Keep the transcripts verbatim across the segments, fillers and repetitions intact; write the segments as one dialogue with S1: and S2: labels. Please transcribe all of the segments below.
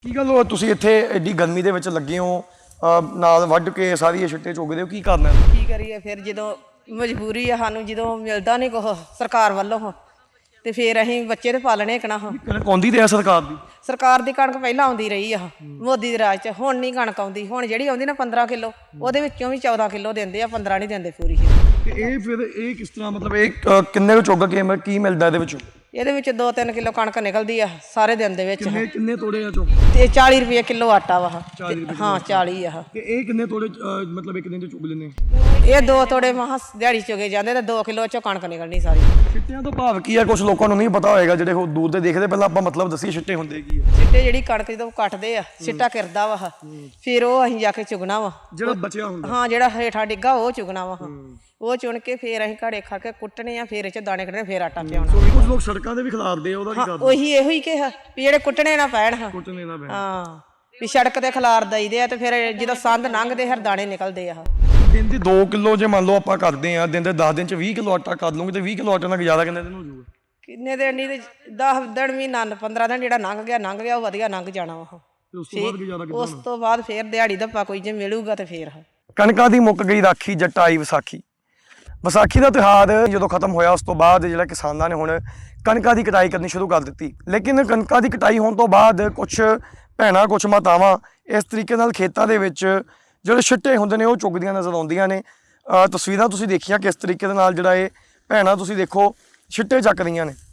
S1: ਕੀ ਗੱਲ ਹੋ ਤੁਸੀਂ ਇੱਥੇ ਐਡੀ ਗਰਮੀ ਦੇ ਵਿੱਚ ਲੱਗੇ ਹੋ ਨਾਲ ਵੱਢ ਕੇ ਸਾਰੀ ਛਿੱਟੇ ਚੁਗਦੇ ਹੋ ਕੀ ਕਰਨਾ
S2: ਕੀ ਕਰੀਏ ਫਿਰ ਜਦੋਂ ਮਜਬੂਰੀ ਆ ਸਾਨੂੰ ਜਦੋਂ ਮਿਲਦਾ ਨਹੀਂ ਕੁਛ ਸਰਕਾਰ ਵੱਲੋਂ ਤੇ ਫਿਰ ਅਸੀਂ ਬੱਚੇ ਤੇ ਪਾਲਣੇ ਕਣਾ
S1: ਕਣਕ ਆਉਂਦੀ ਤੇ ਆ ਸਰਕਾਰ ਦੀ
S2: ਸਰਕਾਰ ਦੀ ਕਣਕ ਪਹਿਲਾਂ ਆਉਂਦੀ ਰਹੀ ਆ ਮੋਦੀ ਦੇ ਰਾਜ 'ਚ ਹੁਣ ਨਹੀਂ ਕਣਕ ਆਉਂਦੀ ਹੁਣ ਜਿਹੜੀ ਆਉਂਦੀ ਨਾ ਪੰਦਰਾਂ ਕਿਲੋ ਉਹਦੇ ਵਿੱਚੋਂ ਵੀ ਚੌਦਾਂ ਕਿਲੋ ਦਿੰਦੇ ਆ ਪੰਦਰਾਂ ਨਹੀਂ ਦਿੰਦੇ ਪੂਰੀ
S1: ਤੇ ਇਹ ਫਿਰ ਇਹ ਕਿਸ ਤਰ੍ਹਾਂ ਮਤਲਬ ਇਹ ਕਿੰਨੇ ਕੁ ਚੁੱਗ ਕੇ ਕੀ ਮਿਲਦਾ ਇਹਦੇ ਵਿੱਚੋਂ
S2: ਇਹਦੇ ਵਿੱਚ ਦੋ ਤਿੰਨ ਕਿਲੋ ਕਣਕ ਨਿਕਲਦੀ ਆ ਸਾਰੇ ਦਿਨ ਦੇ ਵਿੱਚ
S1: ਕਿੰਨੇ ਕਿੰਨੇ ਤੋੜੇ ਆ ਚੁੱਗ
S2: ਤੇ ਚਾਲੀ ਰੁਪਏ ਕਿਲੋ ਆਟਾ ਵਾ ਹਾਂ ਚਾਲੀ ਆ
S1: ਤੇ ਇਹ ਕਿੰਨੇ ਤੋੜੇ ਮਤਲਬ ਇੱਕ ਦਿਨ ਚ ਚੁੱਗ ਲੈਂਦੇ
S2: ਇਹ ਦੋ ਤੋੜੇ ਮਹਾ ਦਿਹਾੜੀ ਚੁਗੇ ਜਾਂਦੇ ਤੇ ਦੋ ਕਿਲੋ ਚੋਂ ਕਣਕ ਨਿਕਲਣੀ ਸਾਰੀ
S1: ਛਿੱਟਿਆਂ ਤੋਂ ਭਾਵ ਕੀ ਆ ਕੁਝ ਲੋਕਾਂ ਨੂੰ ਨਹੀਂ ਪਤਾ ਹੋਏਗਾ ਜਿਹੜੇ ਉਹ ਦੂਰ ਦੇ ਦੇਖਦੇ ਪਹਿਲਾਂ ਆਪਾਂ ਮਤਲਬ ਦੱਸੀਏ ਛਿੱਟੇ ਹੁੰਦੇ ਕੀ ਆ
S2: ਛਿੱਟੇ ਜਿਹੜੀ ਕਣਕ ਜਦੋਂ ਕੱਟਦੇ ਆ ਛਿੱਟਾ ਕਿਰਦਾ ਵਾ ਫਿਰ ਉਹ ਅਸੀਂ ਜਾ ਕੇ ਚੁਗਣਾ ਵਾ
S1: ਜਿਹੜਾ ਬਚਿਆ ਹੁੰਦਾ
S2: ਹਾਂ ਜਿਹੜਾ ਹੇਠਾਂ ਡਿੱਗਾ ਉਹ ਚੁਗਣਾ ਵਾ ਉਹ ਚੁਣ ਕੇ ਫਿਰ ਅਸੀਂ ਘੜੇ ਖਾ ਕੇ ਕੁੱਟਣੇ ਆ ਫਿਰ ਇਹ ਚ ਦਾਣੇ ਕੱਢਣੇ ਫਿਰ ਆਟਾ ਪਿਆਉਣਾ
S1: ਕੁਝ ਲੋਕ ਸੜਕਾਂ ਤੇ ਵੀ ਖਿਲਾਰਦੇ ਆ ਉਹਦਾ ਕੀ ਕਰਦੇ
S2: ਉਹੀ ਇਹੋ ਹੀ ਕਿਹਾ ਵੀ ਜਿਹੜੇ ਕੁੱਟਣੇ ਨਾ ਪੈਣ ਹਾਂ
S1: ਕੁੱਟਣੇ ਨਾ ਪੈਣ
S2: ਹਾਂ ਵੀ ਸੜਕ ਤੇ ਖਿਲਾਰ ਦਈਦੇ ਆ ਤੇ ਫਿਰ ਜਦੋਂ ਸੰਦ ਲੰਘਦੇ ਹਰ ਦਾਣੇ ਨਿਕਲਦੇ ਆ
S1: ਦਿਨ ਦੇ ਦੋ ਕਿਲੋ ਜੇ ਮੰਨ ਲਓ ਆਪਾਂ ਕਰਦੇ ਆ ਦਿਨ ਦੇ ਦਸ ਦਿਨ ਚ ਵੀਹ ਕਿਲੋ ਆਟਾ ਕਰ ਲੂੰਗੇ ਤੇ ਵੀਹ ਕਿਲੋ ਆਟੇ ਨਾਲ ਗੁਜ਼ਾਰਾ ਕਿੰਨੇ ਦਿਨ ਹੋ ਜਾਊਗਾ
S2: ਕਿੰਨੇ ਦਿਨ ਨਹੀਂ ਤੇ ਦਸ ਦਿਨ ਵੀ ਨੰਨ ਪੰਦਰਾਂ ਦਿਨ ਜਿਹੜਾ ਲੰਘ ਗਿਆ ਲੰਘ ਗਿਆ ਉਹ ਵਧੀਆ ਲੰਘ ਜਾਣਾ ਵਾ
S1: ਉਸ ਤੋਂ ਬਾਅਦ ਗੁਜ਼ਾਰਾ ਕਿੱਦਾਂ
S2: ਉਸ ਤੋਂ ਬਾਅਦ ਫਿਰ ਦਿਹਾੜੀ ਧੱਪਾ ਕੋਈ ਜੇ ਮਿਲੂਗਾ ਤੇ ਫਿਰ
S1: ਕਣਕਾਂ ਦੀ ਮੁੱਕ ਗਈ ਰਾਖੀ ਜੱਟ ਆਈ ਵਿਸਾਖੀ ਵਿਸਾਖੀ ਦਾ ਤਿਉਹਾਰ ਜਦੋਂ ਖਤਮ ਹੋਇਆ ਉਸ ਤੋਂ ਬਾਅਦ ਜਿਹੜਾ ਕਿਸਾਨਾਂ ਨੇ ਹੁਣ ਕਣਕਾਂ ਦੀ ਕਟਾਈ ਕਰਨੀ ਸ਼ੁਰੂ ਕਰ ਦਿੱਤੀ ਲੇਕਿਨ ਕਣਕਾਂ ਦੀ ਕਟਾਈ ਹੋਣ ਤੋਂ ਬਾਅਦ ਕੁਝ ਭੈਣਾਂ ਕੁਝ ਮਾਤਾਵਾਂ ਇਸ ਤਰੀਕੇ ਨਾਲ ਖੇਤਾਂ ਦੇ ਵਿੱਚ ਜਿਹੜੇ ਛਿੱਟੇ ਹੁੰਦੇ ਨੇ ਉਹ ਚੁੱਗਦੀਆਂ ਨਜ਼ਰ ਆਉਂਦੀਆਂ ਨੇ ਤਸਵੀਰਾਂ ਤੁਸੀਂ ਦੇਖੀਆਂ ਕਿਸ ਤਰੀਕੇ ਦੇ ਨਾਲ ਜਿਹੜਾ ਇਹ ਭੈਣਾਂ ਤੁਸੀਂ ਦੇਖੋ ਛਿੱਟੇ ਚੱਕ ਰਹੀਆਂ ਨੇ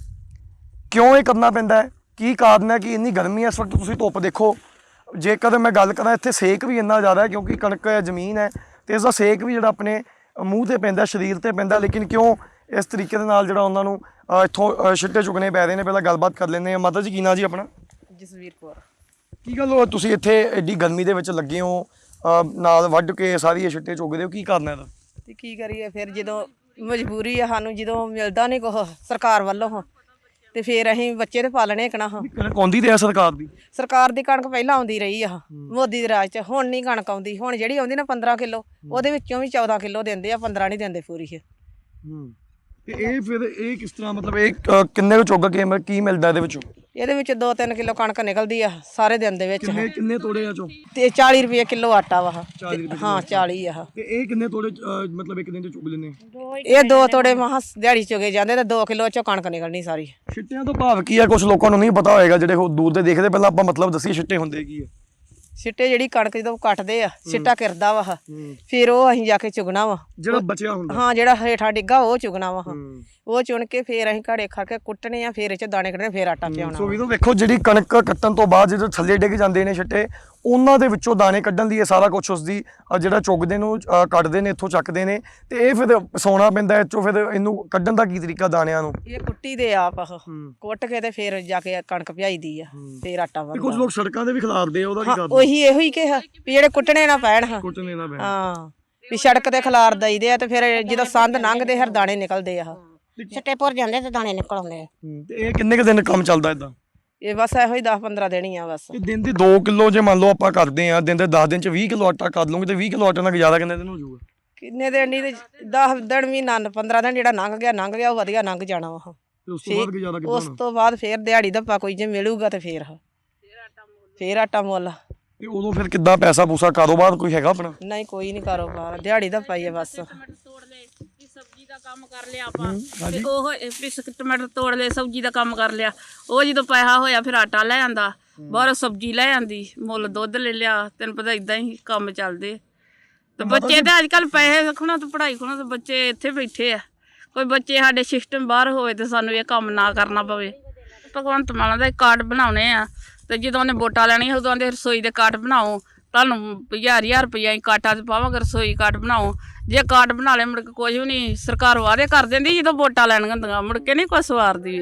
S1: ਕਿਉਂ ਇਹ ਕਰਨਾ ਪੈਂਦਾ ਹੈ ਕੀ ਕਾਰਨ ਹੈ ਕਿ ਇੰਨੀ ਗਰਮੀ ਹੈ ਇਸ ਵਕਤ ਤੁਸੀਂ ਧੁੱਪ ਦੇਖੋ ਜੇਕਰ ਮੈਂ ਗੱਲ ਕਰਾਂ ਇੱਥੇ ਸੇਕ ਵੀ ਇੰਨਾ ਜ਼ਿਆਦਾ ਹੈ ਕਿਉਂਕਿ ਕਣਕ ਜ਼ਮੀਨ ਹੈ ਤੇ ਇਸ ਦਾ ਸੇਕ ਵੀ ਜਿਹੜਾ ਆਪਣੇ ਮੂੰਹ ਤੇ ਪੈਂਦਾ ਸਰੀਰ ਤੇ ਪੈਂਦਾ ਲੇਕਿਨ ਕਿਉਂ ਇਸ ਤਰੀਕੇ ਦੇ ਨਾਲ ਜਿਹੜਾ ਉਹਨਾਂ ਨੂੰ ਇੱਥੋਂ ਛਿੱਟੇ ਚੁਗਣੇ ਪੈ ਰਹੇ ਨੇ ਪਹਿਲਾਂ ਗੱਲਬਾਤ ਕਰ ਲੈਂਦੇ ਆ ਮਾਤਾ ਜੀ ਕੀ ਨਾਂ ਜੀ ਆਪਣਾ
S2: ਜਸਵੀਰ ਕੌਰ
S1: ਕੀ ਗੱਲ ਹੋ ਤੁਸੀਂ ਇੱਥੇ ਐਡੀ ਗਰਮੀ ਦੇ ਵਿੱਚ ਲੱਗੇ ਹੋ ਨਾਲ ਵੱਢ ਕੇ ਸਾਰੀ ਛਿੱਟੇ ਚੁਗਦੇ ਹੋ ਕੀ ਕਰਨਾ ਇਹਦਾ
S2: ਤੇ ਕੀ ਕਰੀਏ ਫਿਰ ਜਦੋਂ ਮਜਬੂਰੀ ਆ ਸਾਨੂੰ ਜਦੋਂ ਮਿਲਦਾ ਨਹੀਂ ਕੁਛ ਸਰਕਾਰ ਵੱਲੋਂ ਤੇ ਫਿਰ ਅਸੀਂ ਬੱਚੇ ਤੇ ਪਾਲਣੇ ਕਣਾ
S1: ਕਣਕ ਆਉਂਦੀ ਤੇ ਆ ਸਰਕਾਰ ਦੀ
S2: ਸਰਕਾਰ ਦੀ ਕਣਕ ਪਹਿਲਾਂ ਆਉਂਦੀ ਰਹੀ ਆ ਮੋਦੀ ਦੇ ਰਾਜ 'ਚ ਹੁਣ ਨਹੀਂ ਕਣਕ ਆਉਂਦੀ ਹੁਣ ਜਿਹੜੀ ਆਉਂਦੀ ਨਾ ਪੰਦਰਾਂ ਕਿਲੋ ਉਹਦੇ ਵਿੱਚੋਂ ਵੀ ਚੌਦਾਂ ਕਿਲੋ ਦਿੰਦੇ ਆ ਪੰਦਰਾਂ ਨਹੀਂ ਦਿੰਦੇ ਪੂਰੀ
S1: ਤੇ ਇਹ ਫਿਰ ਇਹ ਕਿਸ ਤਰ੍ਹਾਂ ਮਤਲਬ ਇਹ ਕਿੰਨੇ ਕੁ ਚੁੱਗ ਕੇ ਕੀ ਮਿਲਦਾ ਇਹਦੇ ਵਿੱਚੋਂ
S2: ਇਹਦੇ ਵਿੱਚ ਦੋ ਤਿੰਨ ਕਿਲੋ ਕਣਕ ਨਿਕਲਦੀ ਆ ਸਾਰੇ ਦਿਨ ਦੇ ਵਿੱਚ
S1: ਕਿੰਨੇ ਕਿੰਨੇ ਤੋੜੇ ਆ ਚੋਂ
S2: ਤੇ ਚਾਲੀ ਰੁਪਏ ਕਿਲੋ ਆਟਾ ਵਾ ਹਾਂ ਚਾਲੀ ਆ
S1: ਤੇ ਇਹ ਕਿੰਨੇ ਤੋੜੇ ਮਤਲਬ ਇੱਕ ਦਿਨ ਚ ਚੁੱਗ ਲੈਂਦੇ
S2: ਇਹ ਦੋ ਤੋੜੇ ਮਹਾ ਦਿਹਾੜੀ ਚੁਗੇ ਜਾਂਦੇ ਤੇ ਦੋ ਕਿਲੋ ਚੋਂ ਕਣਕ ਨਿਕਲਣੀ ਸਾਰੀ
S1: ਛਿੱਟਿਆਂ ਤੋਂ ਭਾਵ ਕੀ ਆ ਕੁਝ ਲੋਕਾਂ ਨੂੰ ਨਹੀਂ ਪਤਾ ਹੋਏਗਾ ਜਿਹੜੇ ਉਹ ਦੂਰ ਦੇ ਦੇਖਦੇ ਪਹਿਲਾਂ ਆਪਾਂ ਮਤਲਬ ਦੱਸੀਏ ਛਿੱਟੇ ਹੁੰਦੇ ਕੀ ਆ
S2: ਛਿੱਟੇ ਜਿਹੜੀ ਕਣਕ ਜਦੋਂ ਕੱਟਦੇ ਆ ਛਿੱਟਾ ਕਿਰਦਾ ਵਾ ਫਿਰ ਉਹ ਅਸੀਂ ਜਾ ਕੇ ਚੁਗਣਾ ਵਾ
S1: ਜਿਹੜਾ ਬਚਿਆ ਹੁੰਦਾ
S2: ਹਾਂ ਜਿਹੜਾ ਹੇਠਾਂ ਡਿੱਗਾ ਉਹ ਚੁਗਣਾ ਵਾ ਉਹ ਚੁਣ ਕੇ ਫਿਰ ਅਸੀਂ ਘੜੇ ਖਾ ਕੇ ਕੁੱਟਣੇ ਆ ਫਿਰ ਇਹ ਚ ਦਾਣੇ ਕੱਢਣੇ ਫਿਰ ਆਟਾ ਪਿਆਉਣਾ
S1: ਸੋ ਵੀ ਤੋਂ ਵੇਖੋ ਜਿਹੜੀ ਕਣਕ ਕੱਟਣ ਤੋਂ ਬਾਅਦ ਜਦੋਂ ਥੱਲੇ ਡਿੱਗ ਜਾਂਦੇ ਨੇ ਛਿੱਟੇ ਉਹਨਾਂ ਦੇ ਵਿੱਚੋਂ ਦਾਣੇ ਕੱਢਣ ਦੀ ਇਹ ਸਾਰਾ ਕੁਝ ਉਸਦੀ ਜਿਹੜਾ ਚੁਗਦੇ ਨੂੰ ਕੱਢਦੇ ਨੇ ਇੱਥੋਂ ਚੱਕਦੇ ਨੇ ਤੇ ਇਹ ਫਿਰ ਸੌਣਾ ਪੈਂਦਾ ਇੱਥੋਂ ਫਿਰ ਇਹਨੂੰ ਕੱਢਣ ਦਾ ਕੀ ਤਰੀਕਾ ਦਾਣਿਆਂ ਨੂੰ
S2: ਇਹ ਕੁੱਟੀ ਦੇ ਆਪ ਕੁੱਟ ਕੇ ਤੇ ਫਿਰ ਜਾ ਕੇ ਕਣਕ ਭਿਆਈਦੀ ਆ ਫਿਰ ਆਟਾ ਬਣਦਾ
S1: ਕੁਝ ਲੋਕ ਸੜਕਾਂ ਤੇ ਵੀ ਖਿਲਾਰਦੇ ਆ ਉਹਦਾ ਕੀ ਕਰਦੇ
S2: ਉਹੀ ਇਹੋ ਹੀ ਕਿਹਾ ਵੀ ਜਿਹੜੇ ਕੁੱਟਣੇ ਨਾ ਪੈਣ ਹਾਂ
S1: ਕੁੱਟਣੇ ਨਾ ਪੈਣ
S2: ਹਾਂ ਵੀ ਸੜਕ ਤੇ ਖਿਲਾਰ ਦਈਦੇ ਆ ਤੇ ਫਿਰ ਜਦੋਂ ਸੰਦ ਲੰਘਦੇ ਹਰ ਦਾਣੇ ਨਿਕਲਦੇ ਆ
S3: ਛਿੱਟੇ ਭੁਰ ਜਾਂਦੇ ਤੇ ਦਾਣੇ ਨਿਕਲ ਆਉਂਦੇ ਆ
S1: ਤੇ ਇਹ ਕਿੰਨੇ ਕੁ ਦਿਨ ਕੰਮ ਚੱਲਦਾ ਇਦਾਂ
S2: ਇਹ ਬਸ ਇਹੋ ਹੀ ਦਸ ਪੰਦਰਾਂ ਦਿਨ ਹੀ ਆ ਬਸ
S1: ਦਿਨ ਦੇ ਦੋ ਕਿਲੋ ਜੇ ਮੰਨ ਲਓ ਆਪਾਂ ਕਰਦੇ ਆ ਦਿਨ ਦੇ ਦਸ ਦਿਨ ਚ ਵੀਹ ਕਿਲੋ ਆਟਾ ਕਰ ਲੂੰਗੇ ਤੇ ਵੀਹ ਕਿਲੋ ਆਟੇ ਨਾਲ ਗੁਜ਼ਾਰਾ ਕਿੰਨੇ ਦਿਨ ਹੋ ਜਾਊਗਾ
S2: ਕਿੰਨੇ ਦਿਨ ਨਹੀਂ ਤੇ ਦਸ ਦਿਨ ਵੀ ਨੰਨ ਪੰਦਰਾਂ ਦਿਨ ਜਿਹੜਾ ਲੰਘ ਗਿਆ ਲੰਘ ਗਿਆ ਉਹ ਵਧੀਆ ਲੰਘ ਜਾਣਾ ਵਾ
S1: ਉਸ ਤੋਂ ਬਾਅਦ ਗੁਜ਼ਾਰਾ ਕਿੱਦਾਂ
S2: ਉਸ ਤੋਂ ਬਾਅਦ ਫਿਰ ਦਿਹਾੜੀ ਧੱਪਾ ਕੋਈ ਜੇ ਮਿਲੂਗਾ ਤੇ ਫਿਰ ਫਿਰ ਆਟਾ ਮੁੱਲ
S1: ਤੇ ਉਦੋਂ ਫਿਰ ਕਿੱਦਾਂ ਪੈਸਾ ਪੂਸਾ ਕਾਰੋਬਾਰ ਕੋਈ ਹੈਗਾ ਆਪਣਾ
S2: ਨਹੀਂ ਕੋਈ ਨਹੀਂ ਕਾਰੋਬਾਰ ਦਿਹਾੜੀ ਧੱਪਾ ਹੀ ਆ ਬਸ
S3: ਸਬਜ਼ੀ ਦਾ ਕੰਮ ਕਰ ਲਿਆ ਆਪਾਂ ਤੇ ਉਹ ਪਿਸਕ ਟਮਾਟਰ ਤੋੜ ਲਏ ਸਬਜ਼ੀ ਦਾ ਕੰਮ ਕਰ ਲਿਆ ਉਹ ਜਦੋਂ ਪੈਸਾ ਹੋਇਆ ਫਿਰ ਆਟਾ ਲੈ ਆਂਦਾ ਬਾਹਰੋਂ ਸਬਜ਼ੀ ਲੈ ਆਂਦੀ ਮੁੱਲ ਦੁੱਧ ਲੈ ਲਿਆ ਤੈਨੂੰ ਪਤਾ ਇਦਾਂ ਹੀ ਕੰਮ ਚੱਲਦੇ ਤੇ ਬੱਚੇ ਤੇ ਅੱਜ ਕੱਲ੍ਹ ਪੈਸੇ ਰੱਖਣਾ ਤੇ ਪੜ੍ਹਾਈ ਕਰਨਾ ਤੇ ਬੱਚੇ ਇੱਥੇ ਬੈਠੇ ਆ ਕੋਈ ਬੱਚੇ ਸਾਡੇ ਸਿਸਟਮ ਬਾਹਰ ਹੋਵੇ ਤੇ ਸਾਨੂੰ ਇਹ ਕੰਮ ਨਾ ਕਰਨਾ ਪਵੇ ਭਗਵੰਤ ਮਾਨ ਦਾ ਕਾਰਡ ਬਣਾਉਣੇ ਆ ਤੇ ਜਦੋਂ ਉਹਨੇ ਵੋਟਾਂ ਲੈਣੀਆਂ ਉਦੋਂ ਆਂਦੇ ਰਸੋਈ ਦੇ ਕਾਰਡ ਬਣਾਓ ਤੁਹਾਨੂੰ ਹਜ਼ਾਰ ਹਜ਼ਾਰ ਰੁਪਈਆ ਅਸੀਂ ਕਾਰਡਾਂ 'ਚ ਪਾਵਾਂਗੇ ਰਸੋਈ ਕਾਰਡ ਬਣਾਓ ਜੇ ਕਾਰਡ ਬਣਾ ਲਏ ਮੁੜ ਕੇ ਕੁਝ ਵੀ ਨਹੀਂ ਸਰਕਾਰ ਵਾਅਦੇ ਕਰ ਦਿੰਦੀ ਜਦੋਂ ਵੋਟਾਂ ਲੈਣੀਆਂ ਹੁੰਦੀਆਂ ਮੁੜ ਕੇ ਨਹੀਂ ਕੁਛ ਸਵਾਰਦੀ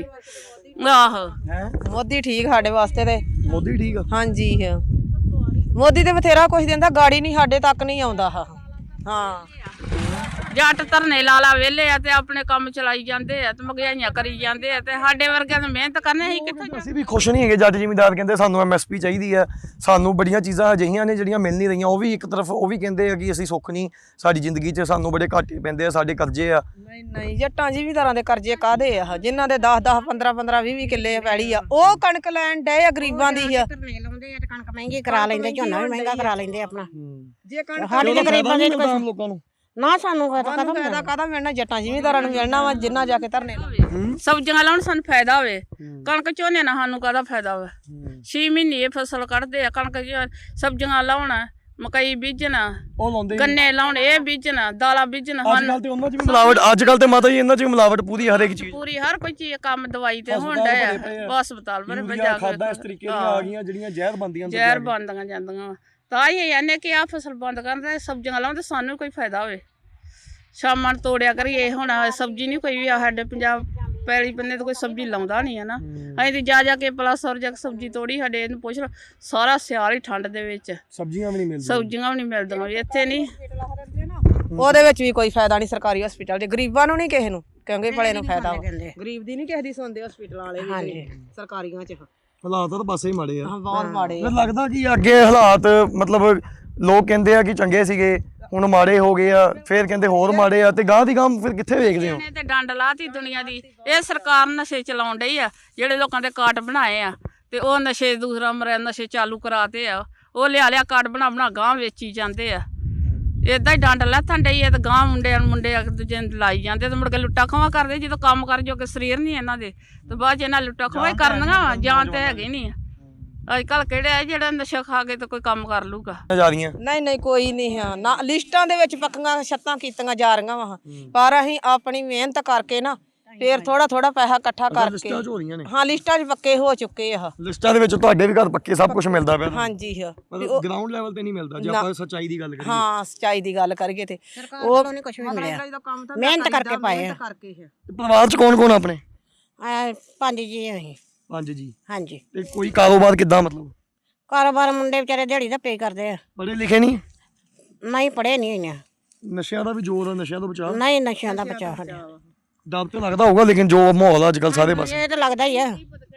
S3: ਆਹੋ
S2: ਮੋਦੀ ਠੀਕ ਸਾਡੇ ਵਾਸਤੇ ਤੇ
S1: ਮੋਦੀ ਠੀਕ ਆ
S2: ਹਾਂਜੀ ਮੋਦੀ ਤੇ ਬਥੇਰਾ ਕੁਝ ਦਿੰਦਾ ਗਾੜੀ ਨਹੀਂ ਸਾਡੇ ਤੱਕ ਨਹੀਂ ਆਉਂਦਾ ਹਾਂ
S3: ਜੱਟ ਧਰਨੇ ਲਾ ਲਾ ਵਿਹਲੇ ਆ ਤੇ ਆਪਣੇ ਕੰਮ ਚਲਾਈ ਜਾਂਦੇ ਆ ਤੇ ਮਹਿੰਗਾਈਆਂ ਕਰੀ ਜਾਂਦੇ ਆ ਤੇ ਸਾਡੇ ਵਰਗਿਆਂ ਨੂੰ ਮਿਹਨਤ ਕਰਨੀ ਅਸੀਂ ਕਿੱਥੇ
S1: ਅਸੀਂ ਵੀ ਖੁਸ਼ ਨਹੀਂ ਹੈਗੇ। ਜੱਟ ਜ਼ਿਮੀਂਦਾਰ ਕਹਿੰਦੇ ਸਾਨੂੰ ਐਮਐਸਪੀ ਚਾਹੀਦੀ ਹੈ, ਸਾਨੂੰ ਬੜੀਆਂ ਚੀਜ਼ਾਂ ਅਜਿਹੀਆਂ ਨੇ ਜਿਹੜੀਆਂ ਮਿਲ ਨਹੀਂ ਰਹੀਆਂ। ਉਹ ਵੀ ਇੱਕ ਤਰਫ ਉਹ ਵੀ ਕਹਿੰਦੇ ਆ ਕਿ ਅਸੀਂ ਸੁੱਖ ਨਹੀਂ, ਸਾਡੀ ਜ਼ਿੰਦਗੀ 'ਚ ਸਾਨੂੰ ਬੜੇ ਘਾਟੇ ਪੈਂਦੇ ਆ, ਸਾਡੇ ਕਰਜ਼ੇ ਆ।
S2: ਨਹੀਂ ਨਹੀਂ ਜੱਟਾਂ ਜ਼ਿਮੀਂਦਾਰਾਂ ਦੇ ਕਰਜ਼ੇ ਕਾਹਦੇ ਆ, ਜਿਨ੍ਹਾਂ ਦੇ ਦਸ ਦਸ ਪੰਦਰਾਂ ਪੰਦਰਾਂ ਵੀਹ ਵੀਹ ਕਿੱਲੇ ਪੈਲੀ ਆ, ਉਹ ਕਣਕ ਲੈਣ ਡਏ ਆ ਗਰੀਬਾਂ ਦੀ ਆ।
S4: ਧਰਨੇ ਲਾਉਂਦੇ ਆ ਤੇ ਕਣਕ ਮਹਿੰਗੀ ਕਰਾ ਲੈਂਦੇ, ਝੋਨਾ ਵੀ ਮਹਿੰਗਾ ਕਰਾ ਲੈਂਦੇ ਆਪਣਾ।
S2: ਜੇ ਕਣਕ
S4: ਸਾਡੇ ਤੇ ਗਰੀਬਾਂ ਦੇ
S1: ਆਮ ਲੋਕਾਂ ਨੂੰ
S4: ਨਾ ਸਾਨੂੰ ਫਾਇਦਾ
S2: ਸਾਨੂੰ ਫਾਇਦਾ ਕਾਹਦਾ ਮਿਲਣਾ, ਜੱਟਾਂ ਜ਼ਿਮੀਂਦਾਰਾਂ ਨੂੰ ਮਿਲਣਾ ਵਾ ਜਿੰਨਾ ਜਾ ਕੇ ਧਰਨੇ ਲਾਵੇ।
S3: ਸਬਜ਼ੀਆਂ ਲਾਉਣ ਸਾਨੂੰ ਫਾਇਦਾ ਹੋਵੇ, ਕਣਕ ਝੋਨੇ ਨਾਲ ਸਾਨੂੰ ਕਾਹਦਾ ਫਾਇਦਾ ਹੋਵੇ। ਛੇ ਮਹੀਨੇ ਇਹ ਫਸਲ ਕੱਢਦੇ ਆ, ਕਣਕ ਸਬਜ਼ੀਆਂ ਲਾਉਣ, ਮਕਈ ਬੀਜਣਾ,
S1: ਉਹ ਲਾਉਂਦੇ
S3: ਗੰਨੇ ਲਾਉਣ, ਇਹ ਬੀਜਣਾ, ਦਾਲਾਂ ਬੀਜਣਾ।
S1: ਅੱਜ ਕੱਲ ਤੇ ਉਹਨਾਂ 'ਚ ਵੀ ਮਿਲਾਵਟ, ਅੱਜ ਕੱਲ ਤੇ ਮਾਤਾ ਜੀ ਇਹਨਾਂ 'ਚ ਵੀ ਮਿਲਾਵਟ ਪੂਰੀ ਹਰ ਇੱਕ ਚੀਜ਼।
S3: ਪੂਰੀ ਹਰ ਕੋਈ ਚੀਜ਼ ਕੰਮ ਦਵਾਈ ਤੇ ਹੋਣ ਡਿਆ ਆ। ਹਸਪਤਾਲ ਬਣੇ ਭਜਾ
S1: ਖਾਦਾਂ ਇਸ ਤਰੀਕੇ ਦੀਆਂ ਆ ਗਈਆਂ ਜਿਹੜੀਆਂ ਜ਼ਹਿਰ ਬਣਦੀਆਂ
S3: ਜ਼ਹਿਰ ਬਣਦੀਆਂ ਜਾਂਦੀਆਂ ਵਾ। ਤਾਂ ਹੀ ਇਹਨੇ ਕਿ ਆ ਫਸਲ ਬੰਦ ਕਰਨ, ਸਬਜ਼ੀਆਂ ਲਾਉਣ ਤੇ ਸਾਨੂੰ ਕੋਈ ਫਾਇਦਾ ਹੋਵੇ। ਸ਼ਾਮਾਂ ਨੂੰ ਤੋੜਿਆ ਕਰੀਏ, ਹੁਣ ਸਬਜ਼ੀ ਨਹੀਂ ਕੋਈ ਵੀ ਆ ਸਾਡੇ ਪੰਜਾਬ ਪੈਲੀ ਬੰਨੇ ਤਾਂ ਕੋਈ ਸਬਜ਼ੀ ਲਾਉਂਦਾ ਨਹੀਂ ਹੈ ਨਾ। ਅਸੀਂ ਤੇ ਜਾ ਜਾ ਕੇ ਪਲਸ ਔਰ ਜਾ ਕੇ ਸਬਜ਼ੀ ਤੋੜੀ, ਸਾਡੇ ਇਹਨੂੰ ਪੁੱਛ ਲਓ ਸਾਰਾ ਸਿਆਲ ਹੀ ਠੰਡ ਦੇ ਵਿੱਚ
S1: ਸਬਜ਼ੀਆਂ ਵੀ ਨਹੀਂ ਮਿਲਦੀਆਂ,
S3: ਸਬਜ਼ੀਆਂ ਵੀ ਨਹੀਂ ਮਿਲਦੀਆਂ ਇੱਥੇ ਨਹੀਂ।
S2: ਉਹਦੇ ਵਿੱਚ ਵੀ ਕੋਈ ਫਾਇਦਾ ਨਹੀਂ ਸਰਕਾਰੀ ਹਸਪੀਟਲ ਦੇ, ਗਰੀਬਾਂ ਨੂੰ ਨਹੀਂ ਕਿਸੇ ਨੂੰ, ਕਿਉਂਕਿ ਭਲੇ ਨੂੰ ਫਾਇਦਾ ਵਾ। ਗਰੀਬ ਦੀ ਨਹੀਂ ਕਿਸੇ ਦੀ ਸੁਣਦੇ ਹਸਪੀਟਲਾਂ ਵਾਲੇ ਵੀ ਸਰਕਾਰੀਆਂ 'ਚ।
S1: ਹਾਲਾਤ ਤਾਂ ਪਾਸੇ ਹੀ ਮਾੜੇ ਆ,
S2: ਬਹੁਤ ਮਾੜੇ।
S1: ਮੈਨੂੰ ਲੱਗਦਾ ਕਿ ਅੱਗੇ ਹਾਲਾਤ ਮਤਲਬ ਲੋਕ ਕਹਿੰਦੇ ਆ ਕਿ ਚੰਗੇ ਸੀਗੇ, ਹੁਣ ਮਾੜੇ ਹੋ ਗਏ ਆ, ਫਿਰ ਕਹਿੰਦੇ ਹੋਰ ਮਾੜੇ ਆ, ਤੇ ਗਾਂ ਦੀ ਗਾਂ ਫਿਰ ਕਿੱਥੇ ਵੇਖਦੇ ਹੋ?
S3: ਇਹਨੇ ਤੇ ਡੰਡ ਲਾਤੀ ਦੁਨੀਆ ਦੀ। ਇਹ ਸਰਕਾਰ ਨਸ਼ੇ ਚਲਾਉਣ ਡਈ ਆ, ਜਿਹੜੇ ਲੋਕਾਂ ਦੇ ਕਾਰਡ ਬਣਾਏ ਆ ਤੇ ਉਹ ਨਸ਼ੇ ਦੂਸਰਾ ਮਰਿਆ ਨਸ਼ੇ ਚਾਲੂ ਕਰਾਤੇ ਆ, ਉਹ ਲਿਆ ਲਿਆ ਕਾਰਡ ਬਣਾ ਬਣਾ ਗਾਂ ਵੇਚੀ ਜਾਂਦੇ ਆ। ਏਦਾਂ ਹੀ ਡੰਡ ਲੱਥਣ ਡਈ ਆ ਤੇ ਗਾਂ ਮੁੰਡਿਆਂ ਨੂੰ ਮੁੰਡੇ ਇੱਕ ਦੂਜੇ ਨੂੰ ਲਾਈ ਜਾਂਦੇ ਤੇ ਮੁੜ ਕੇ ਲੁੱਟਾ ਖਵਾ ਕਰਦੇ। ਜਦੋਂ ਕੰਮ ਕਰ ਜੋ ਕਿ ਸਰੀਰ ਨਹੀਂ ਇਹਨਾਂ ਦੇ ਤੇ ਬਾਅਦ 'ਚ ਇਹਨਾਂ ਲੁੱਟਾ ਖਵਾ ਹੀ ਕਰਨੀਆਂ, ਜਾਨ ਤੇ ਹੈਗੀ ਨਹੀਂ। ਅੱਜ ਕੱਲ ਕਿਹੜੇ ਆ ਜਿਹੜਾ ਨਸ਼ਾ ਖਾ ਕੇ ਤੇ ਕੋਈ ਕੰਮ ਕਰ ਲੂਗਾ?
S1: ਜਾ ਰਹੀਆਂ
S2: ਨਹੀਂ ਨਹੀਂ ਕੋਈ ਨਹੀਂ ਆ ਨਾ, ਲਿਸਟਾਂ ਦੇ ਵਿੱਚ ਪੱਕੀਆਂ ਛੱਤਾਂ ਕੀਤੀਆਂ ਜਾ ਰਹੀਆਂ ਵਾ, ਪਰ ਅਸੀਂ ਆਪਣੀ ਮਿਹਨਤ ਕਰਕੇ ਨਾ ਫੇਰ ਥੋੜਾ ਥੋੜਾ ਪੈਸਾ ਇਕੱਠਾ ਕਰਕੇ
S1: ਲਿਸਟਾਂ 'ਚ ਹੋ ਰਹੀਆਂ ਨੇ।
S2: ਹਾਂ ਲਿਸਟਾਂ 'ਚ ਪੱਕੇ ਹੋ ਚੁੱਕੇ ਆ।
S1: ਲਿਸਟਾਂ ਦੇ ਵਿੱਚ ਤੁਹਾਡੇ ਵੀ ਘਰ ਪੱਕੇ ਸਭ ਕੁਝ ਮਿਲਦਾ ਪਿਆ?
S2: ਹਾਂਜੀ ਹਾਂ,
S1: ਮਤਲਬ ਗਰਾਊਂਡ ਲੈਵਲ ਤੇ ਨਹੀਂ ਮਿਲਦਾ ਜੇ ਆਪਾਂ ਸੱਚਾਈ ਦੀ ਗੱਲ ਕਰੀਏ।
S2: ਹਾਂ ਸੱਚਾਈ ਦੀ ਗੱਲ ਕਰੀਏ ਤੇ
S4: ਉਹ ਨਹੀਂ ਕੁਝ ਵੀ ਮਿਲਿਆ, ਮਿਹਨਤ ਕਰਕੇ ਪਾਏ ਆ।
S2: ਕਰਕੇ
S1: ਤੇ ਪਰਿਵਾਰ 'ਚ ਕੌਣ ਕੌਣ ਆਪਣੇ?
S4: ਆ ਪੰਜ ਜੀ ਅਸੀਂ।
S1: ਪੰਜ ਜੀ।
S4: ਹਾਂਜੀ।
S1: ਤੇ ਕੋਈ ਕਾਰੋਬਾਰ ਕਿੱਦਾਂ ਮਤਲਬ?
S4: ਕਾਰੋਬਾਰ ਮੁੰਡੇ ਵਿਚਾਰੇ ਦਿਹਾੜੀ ਦਾ ਪੇ ਕਰਦੇ ਆ।
S1: ਪੜ੍ਹੇ ਲਿਖੇ ਨਹੀਂ?
S4: ਨਹੀਂ ਪੜ੍ਹੇ ਨਹੀਂ ਹੋਈਆਂ।
S1: ਨਸ਼ਿਆਂ ਦਾ ਵੀ ਜ਼ੋਰ ਆ, ਨਸ਼ਿਆਂ ਤੋਂ ਬਚਾਅ?
S4: ਨਹੀਂ ਨਸ਼ਿਆਂ ਦਾ ਬਚਾਅ ਸਾਡਾ।
S1: ਡਰ ਤਾਂ ਲੱਗਦਾ ਹੋਊਗਾ, ਲੇਕਿਨ ਜੋ ਮਾਹੌਲ ਆ ਅੱਜ ਕੱਲ ਸਾਰੇ ਪਾਸੇ।
S4: ਇਹ ਤਾਂ ਲੱਗਦਾ ਹੀ ਆ।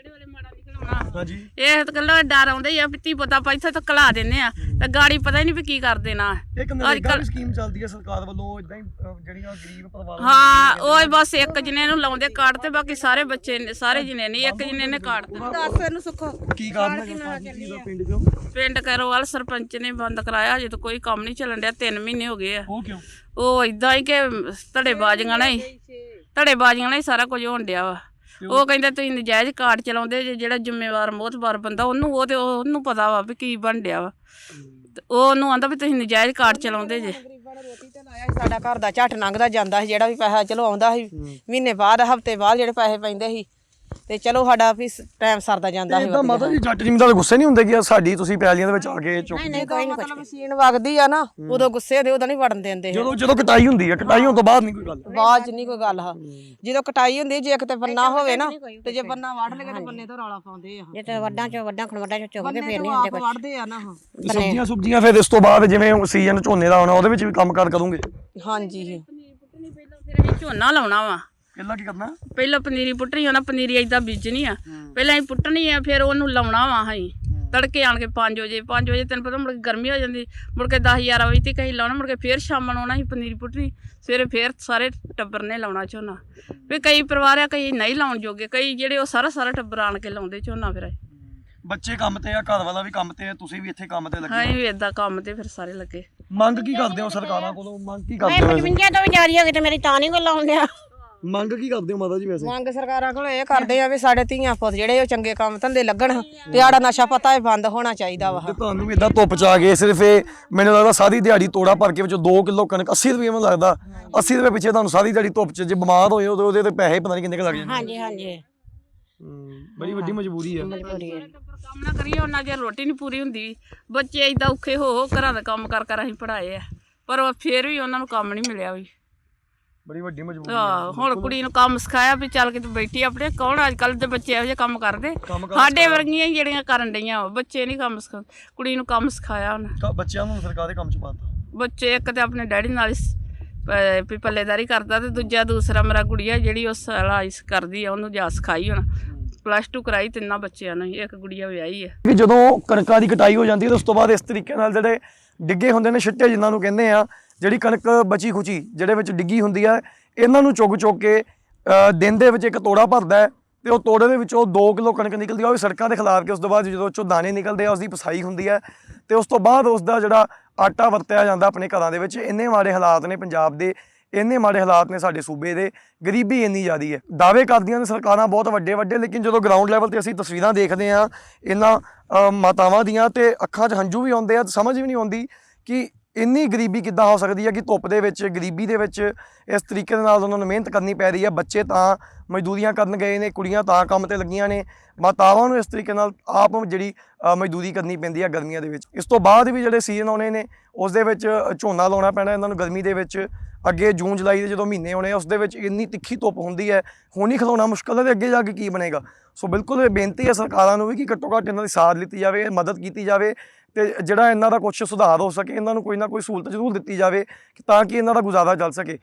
S1: ਹਾਂਜੀ।
S3: ਇਹ ਤਾਂ ਕੱਲਾ ਡਰ ਆਉਂਦਾ ਹੀ ਆ ਵੀ ਧੀ ਪੁੱਤ ਆਪਾਂ ਇੱਥੇ ਤੱਕ ਕਲਾ ਦਿੰਦੇ ਆ ਤੇ ਗਾੜੀ ਪਤਾ ਹੀ ਨਹੀਂ ਵੀ ਕੀ ਕਰ ਦੇਣਾ।
S1: ਇੱਕ ਨਰੇਗਾ ਦੀ ਸਕੀਮ ਚੱਲਦੀ ਹੈ ਸਰਕਾਰ ਵੱਲੋਂ, ਇਦਾਂ ਹੀ ਜਿਹੜੀਆਂ ਗਰੀਬ ਪਰਿਵਾਰ
S3: ਹਾਂ ਉਹ ਬਸ ਇੱਕ ਜਣੇ ਨੂੰ ਲਾਉਂਦੇ ਕਾਰਡ ਤੇ ਬਾਕੀ ਸਾਰੇ ਬੱਚੇ ਨੇ, ਸਾਰੇ ਜਣੇ ਨਹੀਂ, ਇੱਕ ਜਣੇ ਨੇ ਕਾਰਡ ਤੇ।
S2: ਦੱਸ ਇਹਨੂੰ ਸੁੱਖੋ
S1: ਕੀ ਕਾਰਨ ਹੈ ਦਾ ਪਿੰਡ ਚੋਂ?
S3: ਪਿੰਡ ਕਰੋਵਾਲ ਸਰਪੰਚ ਨੇ ਬੰਦ ਕਰਾਇਆ, ਅਜੇ ਤਾਂ ਕੋਈ ਕੰਮ ਨਹੀਂ ਚੱਲਣ ਡਿਆ, ਤਿੰਨ ਮਹੀਨੇ ਹੋ ਗਏ ਆ।
S1: ਉਹ ਕਿਉਂ?
S3: ਉਹ ਇਦਾਂ ਹੀ ਕਿ ਧੜੇ ਬਾਜ਼ੀਆਂ ਨਾਲ ਹੀ ਧੜੇ ਬਾਜ਼ੀਆਂ ਨਾਲ ਹੀ ਸਾਰਾ ਕੁਝ ਹੋਣ ਡਿਆ ਵਾ। ਉਹ ਕਹਿੰਦੇ ਤੁਸੀਂ ਨਜਾਇਜ਼ ਕਾਰਡ ਚਲਾਉਂਦੇ ਜੇ, ਜਿਹੜਾ ਜ਼ਿੰਮੇਵਾਰ ਮੋਹਤਬਾਰ ਬੰਦਾ ਉਹਨੂੰ ਉਹ ਤੇ ਉਹਨੂੰ ਪਤਾ ਵਾ ਵੀ ਕੀ ਬਣ ਡਿਆ ਵਾ, ਤੇ ਉਹ ਉਹਨੂੰ ਆਂਦਾ ਵੀ ਤੁਸੀਂ ਨਜਾਇਜ਼ ਕਾਰਡ ਚਲਾਉਂਦੇ ਜੇ।
S2: ਰੋਟੀ ਤੇ ਲਾਇਆ ਸੀ, ਸਾਡਾ ਘਰ ਦਾ ਝੱਟ ਲੰਘਦਾ ਜਾਂਦਾ ਸੀ, ਜਿਹੜਾ ਵੀ ਪੈਸਾ ਚਲੋ ਆਉਂਦਾ ਸੀ ਮਹੀਨੇ ਬਾਅਦ ਹਫਤੇ ਬਾਅਦ ਜਿਹੜੇ ਪੈਸੇ ਪੈਂਦੇ ਸੀ ਤੇ ਚਲੋ ਸਾਡਾ ਵੀ ਟਾਈਮ ਸਰਦਾ ਜਾਂਦਾ ਸੀ।
S1: ਇਦਾਂ ਮਾਤਾ ਜੀ ਜੱਟ ਜ਼ਿਮੀਂਦਾਰ ਗੁੱਸੇ ਨਹੀਂ ਹੁੰਦੇ ਕਿ ਸਾਡੀ ਤੁਸੀਂ ਪੈਲੀਆਂ ਦੇ ਵਿੱਚ ਆ ਕੇ ਚੁੱਕ?
S4: ਨਹੀਂ ਕੋਈ ਨਹੀਂ
S2: ਮਤਲਬ ਮਸ਼ੀਨ ਵਗਦੀ ਆ ਨਾ, ਉਦੋਂ ਗੁੱਸੇ ਦੇ, ਉਦੋਂ ਨਹੀਂ ਵੜਨ ਦਿੰਦੇ।
S1: ਜਦੋਂ ਜਦੋਂ ਕਟਾਈ ਹੁੰਦੀ ਹੈ, ਕਟਾਈ ਹੋਣ ਤੋਂ ਬਾਅਦ ਨਹੀਂ ਕੋਈ ਗੱਲ?
S2: ਬਾਅਦ ਚ ਨਹੀਂ ਕੋਈ ਗੱਲ ਆ, ਜਦੋਂ ਕਟਾਈ ਹੁੰਦੀ ਜੇ ਕਿਤੇ ਬੰਨਾ ਹੋਵੇ ਨਾ ਤੇ ਜੇ ਬੰਨਾ ਵੱਢ ਲਗੇ ਤੇ ਬੰਨੇ ਤੋਂ ਰੌਲਾ ਪਾਉਂਦੇ ਆ।
S4: ਜੇ ਤੇ ਵੱਡਾਂ ਚੋਂ ਵੱਡਾਂ ਖਣ ਵੱਡਾਂ ਚੋਂ ਚੁੱਕ ਕੇ
S2: ਬੰਨੇ
S4: ਫੇਰ
S2: ਤੋਂ
S4: ਨਹੀਂ ਹੁੰਦੇ
S2: ਆਪ
S4: ਕੁਝ।
S2: ਵੱਢਦੇ ਆ ਨਾ।
S1: ਤੇ ਸਬਜ਼ੀਆਂ ਸੁਬਜ਼ੀਆਂ ਫਿਰ ਇਸ ਤੋਂ ਬਾਅਦ ਜਿਵੇਂ ਸੀਜ਼ਨ ਝੋਨੇ ਦਾ ਆਉਣਾ, ਉਹਦੇ ਵਿੱਚ ਵੀ ਕੰਮ ਕਾਰ ਕਰੋਗੇ?
S2: ਹਾਂਜੀ
S3: ਫਿਰ ਅਸੀਂ ਝੋਨਾ ਲਾਉਣਾ ਵਾ।
S1: ਪਹਿਲਾਂ ਕੀ ਕਰਨਾ?
S3: ਪਹਿਲਾਂ ਪਨੀਰੀ ਪੁੱਟਣੀ ਹੋਣਾ, ਪਨੀਰੀ ਏਦਾਂ ਬੀਜਣੀ ਆ, ਪਹਿਲਾਂ ਅਸੀਂ ਪੁੱਟਣੀ ਆ, ਫਿਰ ਉਹਨੂੰ ਲਾਉਣਾ ਵਾ। ਅਸੀਂ ਤੜਕੇ ਆਣ ਕੇ ਪੰਜ ਵਜੇ ਪੰਜ ਵਜੇ ਤੈਨੂੰ ਪਤਾ ਮੁੜ ਕੇ ਗਰਮੀ ਹੋ ਜਾਂਦੀ, ਮੁੜ ਕੇ ਦਸ ਗਿਆਰਾਂ ਵਜੇ ਤੱਕ ਅਸੀਂ ਲਾਉਣਾ, ਮੁੜ ਕੇ ਫਿਰ ਸ਼ਾਮਾਂ ਨੂੰ ਆਉਣਾ ਅਸੀਂ ਪਨੀਰੀ ਪੁੱਟਣੀ, ਸਵੇਰੇ ਫਿਰ ਸਾਰੇ ਟੱਬਰ ਨੇ ਲਾਉਣਾ ਝੋਨਾ। ਵੀ ਕਈ ਪਰਿਵਾਰ ਆ ਕਈ ਨਹੀਂ ਲਾਉਣ ਜੋਗੇ, ਕਈ ਜਿਹੜੇ ਉਹ ਸਾਰਾ ਸਾਰਾ ਟੱਬਰ ਆਣ ਕੇ ਲਾਉਂਦੇ ਝੋਨਾ। ਫਿਰ
S1: ਬੱਚੇ ਕੰਮ ਤੇ ਆ, ਘਰ ਵਾਲਾ ਵੀ ਕੰਮ ਤੇ ਆ, ਤੁਸੀਂ ਵੀ ਇੱਥੇ ਕੰਮ ਤੇ ਲੱਗੇ?
S3: ਅਸੀਂ ਵੀ ਏਦਾਂ ਕੰਮ ਤੇ ਫਿਰ ਸਾਰੇ ਲੱਗੇ।
S1: ਮੰਗ ਕੀ ਕਰਦੇ ਹੋ ਸਰਕਾਰਾਂ ਕੋਲੋਂ? ਮੰਗ ਕੀ
S4: ਮੈਂ
S1: ਕਰਦੇ ਹੋ?
S4: ਪਚਵੰਜਾ ਤੋਂ ਵਿਚਾਰੀ ਹੋ ਗਈ ਤੇ ਮੇਰੀ ਤਾਂ ਨਹੀਂ ਕੋਈ ਲਾਉਣ ਡਿਆ।
S1: ਮੰਗ ਕੀ ਕਰਦੇ ਹੋ ਮਾਤਾ ਜੀ ਵੈਸੇ?
S2: ਮੰਗ ਸਰਕਾਰਾਂ ਕੋਲ ਇਹ ਕਰਦੇ ਆ ਵੀ ਸਾਡੇ ਧੀਆਂ ਪੁੱਤ ਜਿਹੜੇ ਉਹ ਚੰਗੇ ਕੰਮ ਧੰਦੇ ਲੱਗਣ ਤੇ ਆੜਾ ਨਸ਼ਾ ਪਤਾ ਇਹ ਬੰਦ ਹੋਣਾ ਚਾਹੀਦਾ ਵਾ।
S1: ਤੇ ਤੁਹਾਨੂੰ ਵੀ ਇਦਾਂ ਧੁੱਪ ਚ ਆ ਗਏ ਸਿਰਫ ਇਹ ਮੈਨੂੰ ਲੱਗਦਾ ਸਾਰੀ ਦਿਹਾੜੀ ਤੋੜਾ ਭਰ ਕੇ ਵਿੱਚੋਂ ਦੋ ਕਿਲੋ ਕਣਕ ਅੱਸੀ ਰੁਪਏ ਮੈਨੂੰ ਲੱਗਦਾ ਅੱਸੀ ਰੁਪਏ ਪਿੱਛੇ ਤੁਹਾਨੂੰ ਸਾਰੀ ਦਿਹਾੜੀ ਧੁੱਪ ਚ ਜੇ ਬਿਮਾਰ ਹੋਏ ਉਹਦੇ ਉਹਦੇ ਤੇ ਪੈਸੇ ਪਤਾ ਨਹੀਂ ਕਿੰਨੇ ਕੁ ਲੱਗ ਜਾਂਦੇ।
S4: ਹਾਂਜੀ ਹਾਂਜੀ
S1: ਬੜੀ ਵੱਡੀ ਮਜਬੂਰੀ ਆ।
S4: ਮਜਬੂਰੀ ਹੈ।
S3: ਕੰਮ ਨਾ ਕਰੀਏ ਉਹਨਾਂ ਚਿਰ ਰੋਟੀ ਨਹੀਂ ਪੂਰੀ ਹੁੰਦੀ। ਬੱਚੇ ਏਦਾਂ ਔਖੇ ਹੋ ਹੋ ਘਰਾਂ ਦਾ ਕੰਮ ਕਰ ਕਰ ਅਸੀਂ ਪੜ੍ਹਾਏ ਆ, ਪਰ ਫਿਰ ਵੀ ਉਹਨਾਂ ਨੂੰ ਕੰਮ ਨਹੀਂ ਮਿਲਿਆ ਵੀ।
S1: ਬੜੀ ਵੱਡੀ ਮਜਬੂਰੀ।
S3: ਆਹ ਹੁਣ ਕੁੜੀ ਨੂੰ ਕੰਮ ਸਿਖਾਇਆ ਵੀ ਚੱਲ ਕੇ ਤੂੰ ਬੈਠੀ ਆਪਣੇ। ਕੌਣ ਅੱਜ ਕੱਲ੍ਹ ਦੇ ਬੱਚੇ ਇਹੋ ਜਿਹੇ ਕੰਮ ਕਰਦੇ? ਸਾਡੇ ਵਰਗੀਆਂ ਹੀ ਜਿਹੜੀਆਂ ਕਰਨ ਡਈਆਂ ਵਾ, ਬੱਚੇ ਨਹੀਂ ਕੰਮ ਸਿਖਾ। ਕੁੜੀ ਨੂੰ ਕੰਮ ਸਿਖਾਇਆ ਉਹਨੇ।
S1: ਬੱਚਿਆਂ ਨੂੰ ਸਰਕਾਰ ਦੇ ਕੰਮ ਚ ਪਾਤਾ।
S3: ਬੱਚੇ ਇੱਕ ਤੇ ਆਪਣੇ ਡੈਡੀ ਨਾਲ ਪ- ਵੀ ਪੱਲੇਦਾਰੀ ਕਰਦਾ ਤੇ ਦੂਜਾ ਦੂਸਰਾ ਮੇਰਾ ਗੁੜੀਆ ਜਿਹੜੀ ਉਹ ਸਲਾਈਸ ਕਰਦੀ ਆ ਉਹਨੂੰ ਜਾ ਸਿਖਾਈ ਹੁਣ ਪਲੱਸ ਟੂ ਕਰਾਈ ਤਿੰਨਾਂ ਬੱਚਿਆਂ ਨੂੰ ਇੱਕ ਗੁੜੀਆ ਵਿਆਹੀ ਆ।
S1: ਕਿ ਜਦੋਂ ਕਣਕਾਂ ਦੀ ਕਟਾਈ ਹੋ ਜਾਂਦੀ ਹੈ ਤਾਂ ਉਸ ਤੋਂ ਬਾਅਦ ਇਸ ਤਰੀਕੇ ਨਾਲ ਜਿਹੜੇ ਡਿੱਗੇ ਹੁੰਦੇ ਨੇ ਛਿੱਟੇ ਜਿਨ੍ਹਾਂ ਨੂੰ ਕਹਿੰਦੇ ਆ, ਜਿਹੜੀ ਕਣਕ ਬਚੀ ਖੁਚੀ ਜਿਹੜੇ ਵਿੱਚ ਡਿੱਗੀ ਹੁੰਦੀ ਹੈ, ਇਹਨਾਂ ਨੂੰ ਚੁੱਕ ਚੁੱਕ ਕੇ ਅ, ਦਿਨ ਦੇ ਵਿੱਚ ਇੱਕ ਤੋੜਾ ਭਰਦਾ ਹੈ ਤੇ ਉਹ ਤੋੜੇ ਦੇ ਵਿੱਚੋਂ ਦੋ ਕਿਲੋ ਕਣਕ ਨਿਕਲਦੀ ਆ, ਉਹ ਵੀ ਸੜਕਾਂ 'ਤੇ ਖਿਲਾਰ ਕੇ ਉਸ ਤੋਂ ਬਾਅਦ ਜਦੋਂ ਉਹ 'ਚੋਂ ਦਾਣੇ ਨਿਕਲਦੇ ਆ ਉਸ ਦੀ ਪਸਾਈ ਹੁੰਦੀ ਹੈ ਤੇ ਉਸ ਤੋਂ ਬਾਅਦ ਉਸ ਦਾ ਜਿਹੜਾ ਆਟਾ ਵਰਤਿਆ ਜਾਂਦਾ ਆਪਣੇ ਘਰਾਂ ਦੇ ਵਿੱਚ। ਇੰਨੇ ਮਾੜੇ ਹਾਲਾਤ ਨੇ ਪੰਜਾਬ ਦੇ, ਇੰਨੇ ਮਾੜੇ ਹਾਲਾਤ ਨੇ ਸਾਡੇ ਸੂਬੇ ਦੇ, ਗਰੀਬੀ ਇੰਨੀ ਜ਼ਿਆਦਾ ਹੈ। ਦਾਅਵੇ ਕਰਦੀਆਂ ਨੇ ਸਰਕਾਰਾਂ ਬਹੁਤ ਵੱਡੇ ਵੱਡੇ, ਲੇਕਿਨ ਜਦੋਂ ਗਰਾਊਂਡ ਲੈਵਲ ਤੇ ਅਸੀਂ ਤਸਵੀਰਾਂ ਦੇਖਦੇ ਹਾਂ ਇਹਨਾਂ ਅ, ਮਾਤਾਵਾਂ ਦੀਆਂ ਤੇ ਅੱਖਾਂ 'ਚ ਹੰਝੂ ਵੀ ਆਉਂਦੇ ਆ, ਸਮਝ ਵੀ ਨਹੀਂ ਆਉਂਦੀ ਕਿ ਇੰਨੀ ਗਰੀਬੀ ਕਿੱਦਾਂ ਹੋ ਸਕਦੀ ਹੈ ਕਿ ਧੁੱਪ ਦੇ ਵਿੱਚ ਗਰੀਬੀ ਦੇ ਵਿੱਚ ਇਸ ਤਰੀਕੇ ਦੇ ਨਾਲ ਉਹਨਾਂ ਨੂੰ ਮਿਹਨਤ ਕਰਨੀ ਪੈ ਰਹੀ ਹੈ। ਬੱਚੇ ਤਾਂ ਮਜ਼ਦੂਰੀਆਂ ਕਰਨ ਗਏ ਨੇ, ਕੁੜੀਆਂ ਤਾਂ ਕੰਮ ਤੇ ਲੱਗੀਆਂ ਨੇ, ਮਾਤਾਵਾਂ ਨੂੰ ਇਸ ਤਰੀਕੇ ਨਾਲ ਆਪ ਜਿਹੜੀ ਅ, ਮਜ਼ਦੂਰੀ ਕਰਨੀ ਪੈਂਦੀ ਹੈ ਗਰਮੀਆਂ ਦੇ ਵਿੱਚ। ਇਸ ਤੋਂ ਬਾਅਦ ਵੀ ਜਿਹੜੇ ਸੀਜ਼ਨ ਆਉਣੇ ਨੇ ਉਸ ਦੇ ਵਿੱਚ ਝੋਨਾ ਲਾਉਣਾ ਪੈਣਾ ਇਹਨਾਂ ਨੂੰ ਗਰਮੀ ਦੇ ਵਿੱਚ। ਅੱਗੇ ਜੂਨ ਜੁਲਾਈ ਦੇ ਜਦੋਂ ਮਹੀਨੇ ਆਉਣੇ ਆ ਉਸ ਦੇ ਵਿੱਚ ਇੰਨੀ ਤਿੱਖੀ ਧੁੱਪ ਹੁੰਦੀ ਹੈ, ਹੁਣ ਹੀ ਖਲਾਉਣਾ ਮੁਸ਼ਕਲ ਹੈ ਤੇ ਅੱਗੇ ਜਾ ਕੇ ਕੀ ਬਣੇਗਾ। ਸੋ ਬਿਲਕੁਲ ਇਹ ਬੇਨਤੀ ਹੈ ਸਰਕਾਰਾਂ ਨੂੰ ਵੀ ਕਿ ਘੱਟੋ ਘੱਟ ਇਹਨਾਂ ਦੀ ਸਾਥ ਲਿੱਤੀ ਜਾਵੇ, ਮਦਦ ਕੀਤੀ ਜਾਵੇ ਤੇ ਜਿਹੜਾ ਇਹਨਾਂ ਦਾ ਕੁਛ ਸੁਧਾਰ ਹੋ ਸਕੇ, ਇਹਨਾਂ ਨੂੰ ਕੋਈ ਨਾ ਕੋਈ ਸਹੂਲਤ ਜ਼ਰੂਰ ਦਿੱਤੀ ਜਾਵੇ ਕਿ ਤਾਂ ਕਿ ਇਹਨਾਂ ਦਾ ਗੁਜ਼ਾਰਾ ਚੱਲ ਸਕੇ।